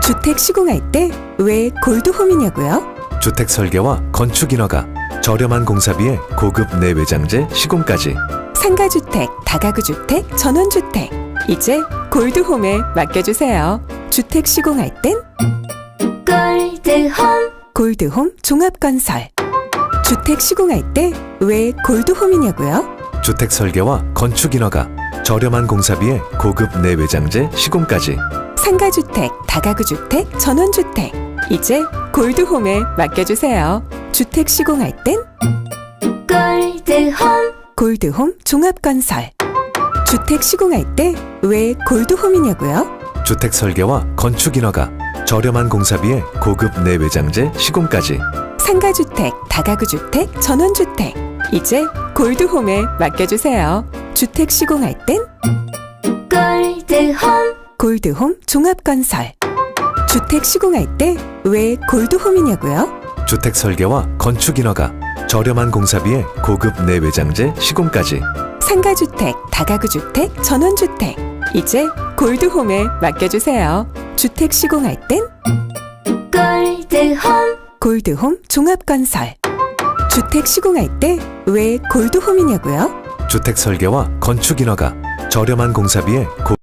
주택 시공할 때 왜 골드홈이냐고요? 주택 설계와 건축 인허가, 저렴한 공사비에 고급 내외장재 시공까지. 상가주택, 다가구주택, 전원주택. 이제 골드홈에 맡겨주세요. 주택 시공할 땐 골드홈. 골드홈 종합건설. 주택 시공할 때 왜 골드홈이냐고요? 주택 설계와 건축 인허가, 저렴한 공사비에 고급 내외장재 시공까지. 상가주택, 다가구주택, 전원주택. 이제 골드홈에 맡겨주세요. 주택 시공할 땐 골드홈. 골드홈 종합건설. 주택 시공할 때 왜 골드홈이냐고요? 주택 설계와 건축 인허가, 저렴한 공사비에 고급 내외장재 시공까지. 상가주택, 다가구주택, 전원주택. 이제 골드홈에 맡겨주세요. 주택 시공할 땐 골드홈. 골드홈 종합건설. 주택 시공할 때 왜 골드홈이냐고요? 주택 설계와 건축 인허가, 저렴한 공사비에 고급 내외장재 시공까지. 상가주택, 다가구주택, 전원주택. 이제 골드홈에 맡겨주세요. 주택 시공할 땐 골드홈. 골드홈 종합건설. 주택 시공할 때 왜 골드홈이냐고요? 주택 설계와 건축 인허가, 저렴한 공사비에